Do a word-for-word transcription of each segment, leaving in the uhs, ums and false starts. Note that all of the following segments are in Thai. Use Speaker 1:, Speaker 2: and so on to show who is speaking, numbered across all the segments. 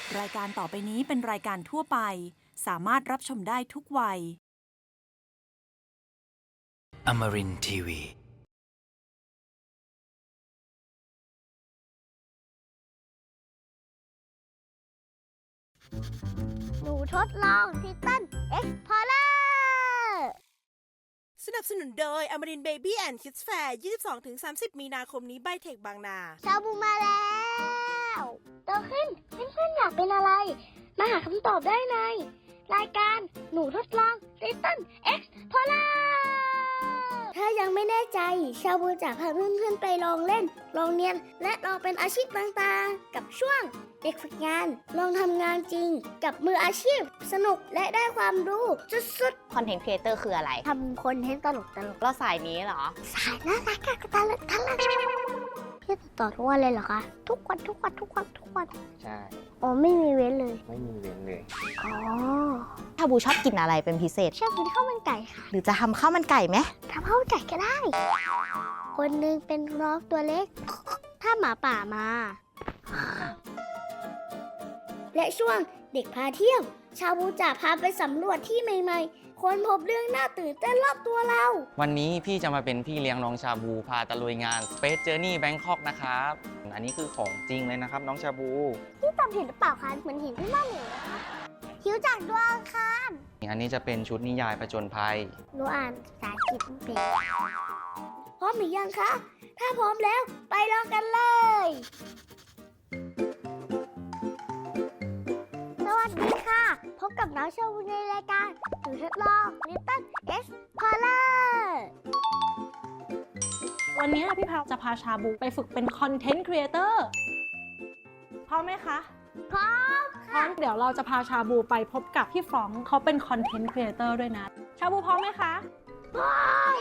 Speaker 1: รายการต่อไปนี้เป็นรายการทั่วไปสามารถรับชมได้ทุกวัย
Speaker 2: Amarin ที วี
Speaker 3: หนูทดลองทิตันเอ็กซ์พอร์เลอร์
Speaker 4: สนับสนุนโดย Amarin Baby and Kids Fair ยี่สิบสองถึงสามสิบ มีนาคมนี้ไบเทคบางนา
Speaker 3: ชาบูมาแล้วโตขึ้นเพื่อนๆอยากเป็นอะไร มาหาคำตอบได้ในรายการหนูทดลองทิตันเอ็กซ์พอร์เลอร์ถ้ายังไม่แน่ใจชาบูจะพาเพื่อนๆไปลองเล่น ลองเรียน และลองเป็นอาชีพต่างๆ กับช่วงเด็กฝึกงาน ลองทำงานจริง กับมืออาชีพ สนุกและได้ความรู้สุดๆ
Speaker 5: คอนเทนต์ครีเอเตอร์คืออะไร
Speaker 3: ทำคอนเทนต์ตลกตลก
Speaker 5: ก็สายนี้เหรอ
Speaker 3: สายน่ารักกับตลกตลกพี่ติดต่อทุกวันเลยเหรอคะ ทุกวันทุกวันทุกวันทุกวัน
Speaker 6: ใช่
Speaker 3: อ๋อไม่มีเว้นเลย
Speaker 6: ไม่มีเว้นเลย
Speaker 3: อ๋อ
Speaker 5: ชาบูชอบกินอะไรเป็นพิเศษ
Speaker 3: ชอบกินข้าวมันไก่ค่ะ
Speaker 5: หรือจะทำข้าวมันไก่ไหม
Speaker 3: ทำข้าวมันไก่ก็ได้ คนหนึงเป็นน้องตัวเล็ก ถ้าหมาป่ามา และช่วงเด็กพาเที่ยว ชาบูจะพาไปสำรวจที่ใหม่ๆ ค้นพบเรื่องน่าตื่นเต้นรอบตัวเรา
Speaker 6: วันนี้พี่จะมาเป็นพี่เลี้ยงน้องชาบูพาตะลุยงาน Space Journey Bangkok นะครับ อันนี้คือของจริงเลยนะครับน้องชาบู
Speaker 3: พี่จำเห็นหรือเปล่าคะเหมือนเห็นพี่ม่าเหมียวนะคะคิ้วจากดวงอังคาร
Speaker 6: อันนี้จะเป็นชุดนิยายผจญภัย
Speaker 3: หนูอ่านภาษาอังกฤษไม่เป็นพร้อมหรือยังคะ ถ้าพร้อมแล้วไปลองกันเลย สวัสดีค่ะ พบกับน้องชาบูในรายการหนูทดลอง Little Explorer
Speaker 7: วันนี้พี่พาวจะพาชาบูไปฝึกเป็นคอนเทนต์ครีเอเตอร์พร้อมไหมคะ
Speaker 3: พร้อม
Speaker 7: พร้อมเดี๋ยวเราจะพาชาบูไปพบกับพี่ฟรองก์เขาเป็นคอนเทนต์ครีเอเตอร์ด้วยนะ ชาบูพร้อมไหมคะ
Speaker 3: พร้อม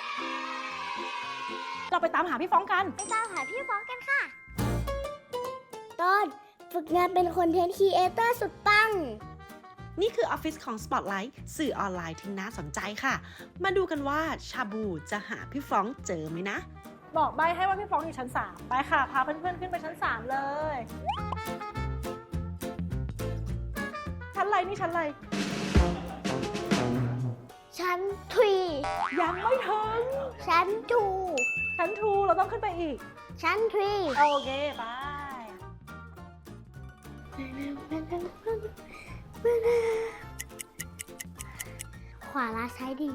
Speaker 7: เราไปตามหาพี่ฟรองก์กัน
Speaker 3: ไปตามหาพี่ฟ้องกันค่ะ ตอนฝึกงานเป็นคอนเทนต์ครีเอเตอร์สุดปัง
Speaker 4: นี่คือออฟฟิศของ Spotlight สื่อออนไลน์ที่น่าสนใจค่ะ มาดูกันว่าชาบูจะหาพี่ฟรองก์เจอไหมนะ
Speaker 7: บอกใบให้ว่าพี่ฟรองก์อยู่ชั้นสามไปค่ะ พาเพื่อนๆขึ้นไปชั้นสามเลย ชั้นอะไรนี่ชั้นอะไร
Speaker 3: ชั้นทรี
Speaker 7: ยังไม่ถึง
Speaker 3: ชั้นทู
Speaker 7: ชั้นทูเราต้องขึ้นไปอีก
Speaker 3: ชั้นทรี
Speaker 7: โอเคไป
Speaker 3: ขวาลาซ้ายดี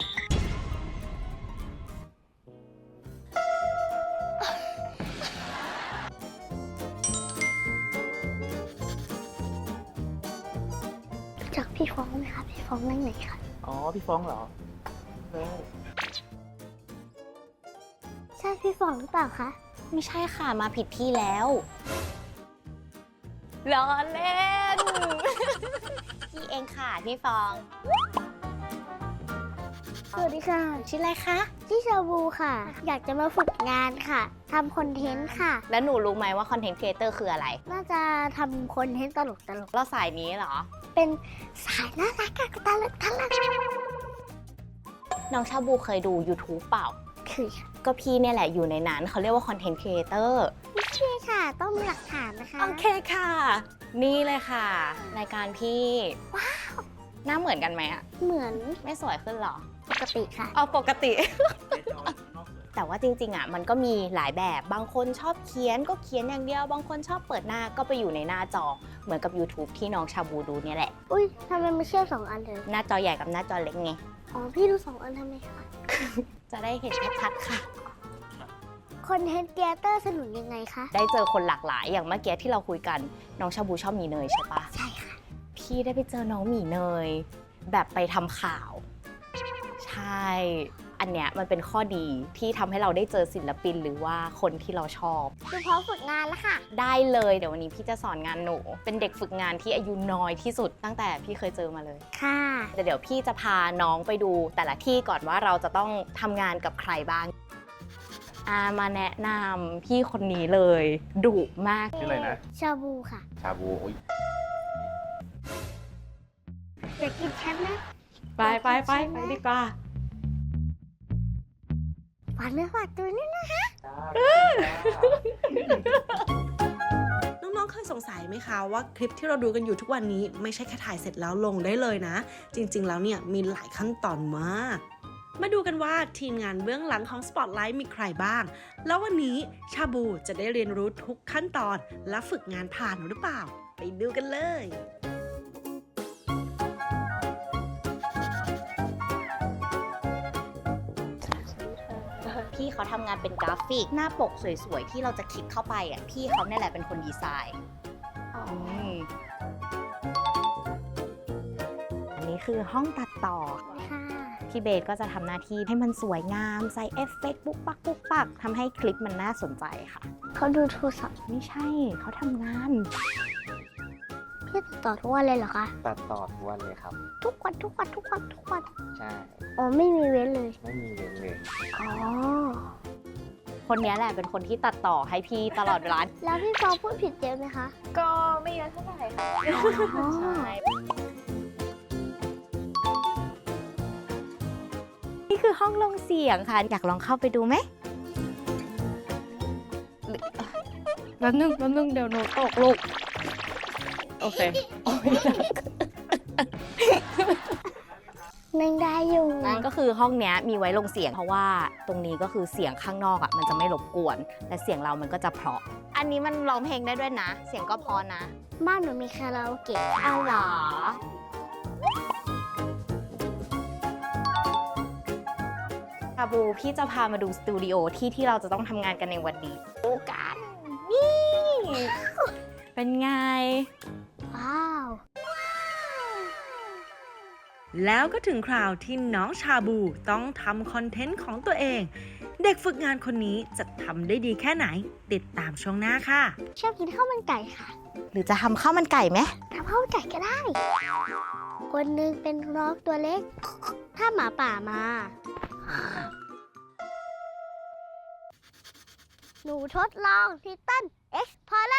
Speaker 3: รู้จักพี่ฟ้องไหมคะ พี่ฟ้องนั่งไหนคะ
Speaker 6: อ๋อ พี่ฟ้องเหรอ
Speaker 3: ใช่พี่ฟ้องหรือเปล่าคะ
Speaker 5: ไม่ใช่ค่ะมาผิดที่แล้วล้อเล่น พี่เองค่ะพี่ฟอง
Speaker 3: สวัสดีค่ะ
Speaker 5: ชื่ออะไรคะ
Speaker 3: ชื่อชาบูค่ะ อยากจะมาฝึกงานค่ะ ทำคอนเทนต์ค่ะ
Speaker 5: แล้วหนูรู้ไหมว่าคอนเทนต์ครีเอเตอร์คืออะไร
Speaker 3: น่าจะทำคอนเทนต์ตลกตลก
Speaker 5: เราสายนี้เหรอ
Speaker 3: ๆเป็นสายน่ารักกับตลกตลก
Speaker 5: น้องชาบูเคยดู YouTube เปล่า
Speaker 3: คือค่ะ
Speaker 5: ก็พี่เนี่ยแหละอยู่ในนั้นเขาเรียกว่าคอนเทนต์ครีเอเตอร์
Speaker 3: โอเคค่ะ ต้องมีหลักฐานนะคะ
Speaker 5: โอเคค่ะ นี่เลยค่ะ รายการพี่ ว้าว หน้าเหมือนกันไหมอะ
Speaker 3: เหมือน
Speaker 5: ไม่สวยขึ้นเหรอ
Speaker 3: ปกติค่ะ
Speaker 5: เอาปกติ แต่ว่าจริงๆอ่ะมันก็มีหลายแบบ บางคนชอบเขียนก็เขียนอย่างเดียว บางคนชอบเปิดหน้าก็ไปอยู่ในหน้าจอ เหมือนกับ YouTube ที่น้องชาบูดูเนี่ยแหละ
Speaker 3: อุ้ยทำไมไม่เชื่อมสองอันเลย
Speaker 5: หน้าจอใหญ่กับหน้าจอเล็กไง
Speaker 3: อ๋อ พี่ดูสองอันทำไมคะ
Speaker 5: จะได้เห็นชัดๆค่ะ
Speaker 3: คอนเทนต์ครีเอเตอร์สนุนยังไงคะ
Speaker 5: ได้เจอคนหลากหลาย อย่างเมื่อกี้ที่เราคุยกัน น้องชาบูชอบหมีเนยใช่ปะ
Speaker 3: ใช่ค่ะ
Speaker 5: พี่ได้ไปเจอน้องหมีเนย แบบไปทำข่าว ใช่ อันเนี้ยมันเป็นข้อดีที่ทำให้เราได้เจอศิลปินหรือว่าคนที่เราชอบ
Speaker 3: คือพร้อมฝึกงานแล้วค่ะ
Speaker 5: ได้เลยเดี๋ยววันนี้พี่จะสอนงานหนู เป็นเด็กฝึกงานที่อายุน้อยที่สุดตั้งแต่พี่เคยเจอมาเลย
Speaker 3: ค่ะ
Speaker 5: แต่เดี๋ยวพี่จะพาน้องไปดูแต่ละที่ก่อนว่าเราจะต้องทำงานกับใครบ้างอามาแนะนำพี่คนนี้เลยดุมาก
Speaker 6: ชื่ออะไรนะ
Speaker 3: ชาบูค่ะ
Speaker 6: ชาบูอุ๊ย
Speaker 3: อยากกินแคปนะ
Speaker 7: ไปไปไปไปดีกว่า
Speaker 3: ฝากเนื้อฝากตัวนิดนะคะ
Speaker 4: น้ององๆเคยสงสัยไหมคะว่าคลิปที่เราดูกันอยู่ทุกวันนี้ไม่ใช่แค่ถ่ายเสร็จแล้วลงได้เลยนะ จริงๆแล้วเนี่ยมีหลายขั้นตอนมาก มาดูกันว่าทีมงานเบื้องหลังของ Spotlight มีใครบ้าง แล้ววันนี้ชาบูจะได้เรียนรู้ทุกขั้นตอนและฝึกงานผ่านหรือเปล่า ไปดูกันเลย
Speaker 5: พี่เขาทำงานเป็นกราฟิกหน้าปกสวยๆ ที่เราจะคลิกเข้าไปอ่ะพี่เขาเนี่ยแหละเป็นคนดีไซน์มอันนี้คือห้องตัดต่อ
Speaker 3: ค่ะ
Speaker 5: พี่เบสก็จะทำหน้าที่ให้มันสวยงามใส่เอฟเฟกต์ปุ๊กปักปุ๊กปักทำให้คลิปมันน่าสนใจค่ะ
Speaker 3: เขาดูโทรศัพท์
Speaker 5: ไม่ใช่เขาทำงาน
Speaker 3: พี่ติดต่อทุกวันเลยเหรอคะ
Speaker 6: ตัดต่อทุกวันเลยครับ
Speaker 3: ทุกวันทุกวันทุกวันทุกวัน
Speaker 6: ใช่
Speaker 3: อ๋อไม่มีเว้นเลย
Speaker 6: ไม่มีเว้นเลย
Speaker 3: อ๋อ
Speaker 5: คนนี้แหละเป็นคนที่ตัดต่อให้พี่ตลอดเวลา
Speaker 3: แล้วพี่ฟองพูดผิดเยอะไหมคะ
Speaker 5: ก็ไม่เยอะเท่าไหร่ค่ะ
Speaker 3: อ๋อ
Speaker 5: ใช่นี่คือห้องลงเสียงค่ะ อยากลองเข้าไปดูไหมหรือแป๊บนึงแป๊บนึงเดี๋ยวหนูตกลูก โอเคโอ้ย
Speaker 3: นั่งได้อยู่
Speaker 5: นั่นก็คือห้องเนี้ยมีไว้ลงเสียงเพราะว่าตรงนี้ก็คือเสียงข้างนอกอ่ะมันจะไม่รบกวน และเสียงเรามันก็จะเพราะ อันนี้มันร้องเพลงได้ด้วยนะ เสียงก็เพราะนะ
Speaker 3: บ้านหนูมีคาราโอเกะ
Speaker 5: อ้าวเหรอชาบูพี่จะพามาดูสตูดิโอที่ที่เราจะต้องทำงานกันในวันนี้ดูกันนี่ เป็นไง
Speaker 3: ว้าว
Speaker 4: แล้วก็ถึงคราวที่น้องชาบูต้องทำคอนเทนต์ของตัวเอง เด็กฝึกงานคนนี้จะทำได้ดีแค่ไหน ติดตามช่วงหน้าค่ะ
Speaker 3: ชอบกินข้าวมันไก่ค่ะ
Speaker 5: หรือจะทำข้าวมันไก่ไหม
Speaker 3: ทำข้าวมันไก่ก็ได้ คนหนึงเป็นน้องตัวเล็ก ถ้าหมาป่ามา หนูทดลองทิตันเอ็กซ์พอร์เล